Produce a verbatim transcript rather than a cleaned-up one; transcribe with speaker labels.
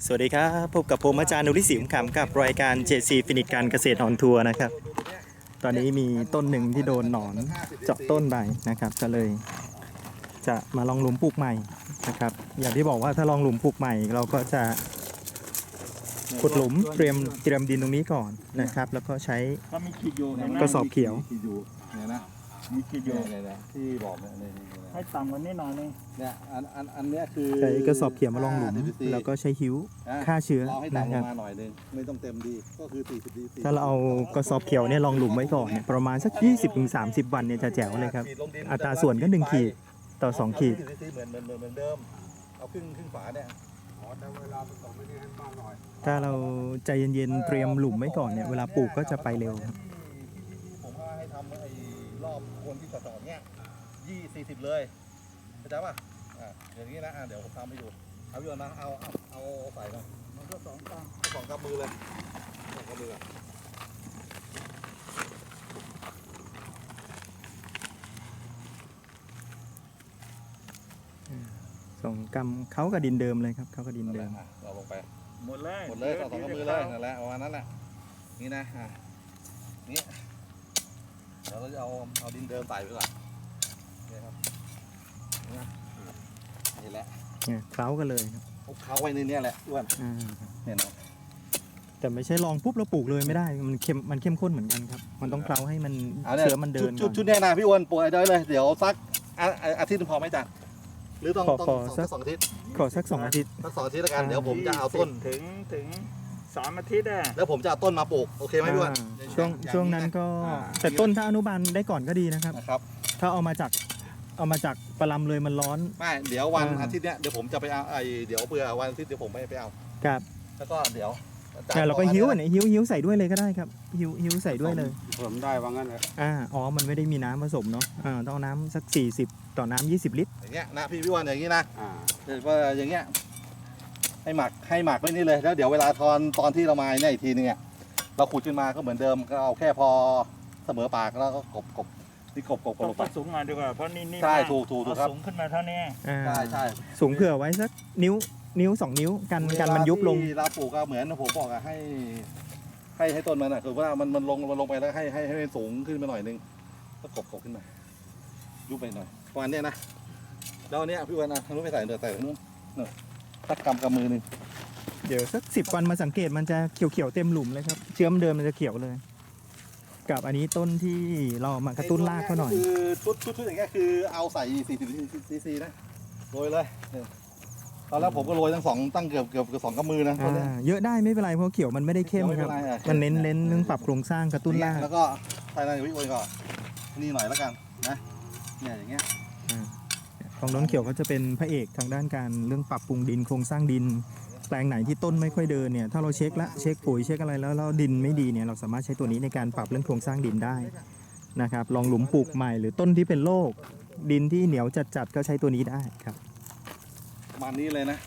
Speaker 1: สวัสดีครับพบกับผมอาจารย์นุริศิมขำกับรายการ เจ ซี ฟินิชการเกษตรออนทัวร์นะครับตอนนี้มีต้นหนึ่งที่โดนหนอนเจาะต้นไปนะครับก็เลยจะมาลองหลุมปลูกใหม่นะครับอย่างที่บอกว่าถ้าลองหลุมปลูกใหม่เราก็จะขุดหลุมเตรียมเตรียมดินตรงนี้ก่อนนะครับแล้วก็ใช้
Speaker 2: ถ้ามีขีดอยู่เห็นไหม
Speaker 1: กระสอบเขียว
Speaker 3: ขีดอยู่เนี่ยนะ
Speaker 2: มีขีดอยู่
Speaker 3: เนี่ยเนี่ยที่บอกเนี่ยเนี่ยเนี่ย
Speaker 2: ให้ต่ำกว่านี้หน่อยนึง
Speaker 3: เนี่ยอันอันอันเนี้ยคือ
Speaker 1: ใช้กระสอบเขียวมาลองหลุมแล้วก็ใช้หิ้วฆ่าเชื้อ
Speaker 3: เราให้
Speaker 1: นะ
Speaker 3: ต่ำล
Speaker 1: ครับ
Speaker 3: งมาหน่อยนึงไม่ต้องเต็มดีก็คือสี่สิบดี
Speaker 1: ถ้าเราเอากระสอบเขียวเนี่ยลองหลุมไว้ก่อนเนี่ยประมาณสัก ยี่สิบถึงสามสิบ วันเนี่ยจะแจ๋วเลยครับอัตราส่วนก็หนึ่งขีดต่อสองขีด
Speaker 3: เหมือนเหมือนเหมือนเหมือนเดิมเอาครึ่งครึ่งฝาเนี่ยอ๋อแต่เวลาผสมไม่ได้ให้มากหน่อย
Speaker 1: ถ้าเราใจเย็นๆเตรียมหลุมไว้ก่อนเนี่ยเวลาปลูกก็จะไปเร็วครับ
Speaker 3: ผมว่าให้ทำไอ้รอบโคนที่ต่อๆเนี่ยยี่สี่สิบเลยเข้าใจป่ะอ่าอย่างนี้นะอ่าเดี๋ยวผมทำให้ดูเอาพี่วันนะเอาเอาเอาใส่มามันก็สองกำสองกำมือเลยสองกำมือ
Speaker 1: ส่งกำเขากับดินเดิมเลยครับเขากับดินเดิม
Speaker 3: เราลงไป
Speaker 2: หมดเลย
Speaker 3: หมดเลยสองสองกำมือเลยนั่นแหละประมาณนั้นแหละนี่นะอ่ะนี่เดี๋ยวเราจะเอาเอาดินเดิมใส่ไปก่อนนี่ครับนี่นะนี่แหละ
Speaker 1: เนี่ยเขากันเลยครับ
Speaker 3: คลุกเขาไว้ในนี้แหละอ้วน
Speaker 1: อ่า
Speaker 3: เนี่ยนะ
Speaker 1: แต่ไม่ใช่ลองปุ๊บแล้วปลูกเลยไม่ได้มันเข้มมันเข้มข้นเหมือนกันครับมันต้องเคล้าให้มัน
Speaker 3: าเนี่ย
Speaker 1: เชื้อมันเดิน
Speaker 3: ชุ
Speaker 1: ก่
Speaker 3: ด
Speaker 1: อน
Speaker 3: ชุดเนี่ยนะพี่อ้วนปลูกได้เลยเดี๋ยวสักอาอาทิตย์นึงพอไหมจ๊ะหรือต้อง
Speaker 1: ขอ
Speaker 3: ต้อง
Speaker 1: ขอ
Speaker 3: สอง
Speaker 1: สัก
Speaker 3: สองอาทิตย์
Speaker 1: ขอสักสองอาทิตย์
Speaker 3: สักสองอาทิตย์แล้วกันเดี๋ยวผมจะเอาต้น
Speaker 2: ถึงถึงสามอาทิตย์อ่ะ
Speaker 3: แล้วผมจะเอาต้นมาปลูกโอเคไหมพี่อ้วน
Speaker 1: อ่าช่วงช่วงนั้นก็แต่ต้นถ้าอนุบาลได้ก่อนก็ดีนะครับ
Speaker 3: นะครับ
Speaker 1: ถ้าเอามาจากเอามาจากปลาลำเลยมันร้อน
Speaker 3: ไม่เดี๋ยววัน
Speaker 1: อ่า
Speaker 3: อาทิตย์เนี้ยเดี๋ยวผมจะไปเอาไอเดี๋ยวเผื่อวันอาทิตย์เดี๋ยวผมไม่ไปเอา
Speaker 1: ครับ
Speaker 3: แล้วก็เดี๋ยว
Speaker 1: เนี่ยเราก็หิ้วอันไหนหิ้วหิ้วใส่ด้วยเลยก็ได้ครับหิ้วหิ้วใส่ด้วยเลย
Speaker 3: ผมได้ว่างั้นเลย
Speaker 1: อ่าอ๋อมันไม่ได้มีน้ำผสมเนาะอ่าต้องเอาน้ำสักสี่สิบต่อน้ำยี่สิบลิตร
Speaker 3: อย่างเงี้ยนะพี่พี่วันอย่างงี้นะเดี๋ยวว่าอย่างเงี้ยให้หมักให้หมักไว้นี่เลยแล้วเดี๋ยวเวลาตอนตอนที่เรามาเนี่ยอีกทีนึงอ่ะเราขุดขึ้นมาก็เหมือนเดิมก็เอาแค่พอเสมอปากแล้วก็กบกบนี่กบกบก
Speaker 2: ต้
Speaker 3: บ
Speaker 2: อง
Speaker 3: ลงไป
Speaker 2: สูงหน่อยดีกว่าเพราะนี่นี่
Speaker 3: ใช่
Speaker 2: มาก
Speaker 3: ถูกถูกถูกครับ
Speaker 2: เอาสูงขึ้นมาเท่านี้
Speaker 1: อ่า
Speaker 3: ใช่ใช่
Speaker 1: สูงเผื่อไว้สักนิ้วนิ้วสองนิ้วกันกันมันยุบลง
Speaker 3: เวาที่เราปลูกก็เหมือนผมบอกอะให้ให้ให้ต้นมันอะคือว่ามันมันลงมันลงไปแล้วให้ให้ให้มันสูงขึ้นมาหน่อยนึงก็กบกบขึ้นมายุบไปหน่อยประมาณเนี้ยนะแล้วอันเนี้ยพี่วันนะทางนู้นไปใส่เดี๋ยวใส่ทางนู้นเนอะสักกำกำมือหนึ่ง
Speaker 1: เดี๋ยวสักสิบวันมาสังเกตมันจะเขียวๆเต็มหลุมเลยครับเชื้อมเดิมมันจะเขียวเลย กับอันนี้ต้นที่เรามากระตุ้นรากเขาหน่อย
Speaker 3: คือชุดชุดชุดอย่างเงี้ยคือเอาใส่สี่สิบซีซีนะโรยเลยเนี่ยตอนแรกผมก็โรยทั้งสองตั้งเกือบเกือบเกือบสองกำมือนะตอนเนี้ย
Speaker 1: อ่าเยอะได้ไม่เป็นไรเพราะเขียวมันไม่ได้เข้มครับ
Speaker 3: ไม่เป็นไรอ่ะ
Speaker 1: มันเน้นเน้นเรื่องปรับโครงสร้างกระตุ้นราก
Speaker 3: แล้วก็ภายในวิโอยก็นี่หน่อยแล้วกันนะเนี่ยอย่างเงี้ย
Speaker 1: ของน้องเขียวเขาจะเป็นพระเอกทางด้านการเรื่องปรับปรุงดินโครงสร้างดิน แปลงไหนที่ต้นไม่ค่อยเดินเนี่ยถ้าเราเช็คละเช็คปุ๋ยเช็คอะไรแล้วแล้วดินไม่ดีเนี่ยเราสามารถใช้ตัวนี้ในการปรับเรื่องโครงสร้างดินได้นะครับลองหลุมปลูกใหม่หรือต้นที่เป็นโรคดินที่เหนียวจัดๆก็ใช้ตัวนี้ได้ครับ
Speaker 3: ประมาณนี้เลยนะ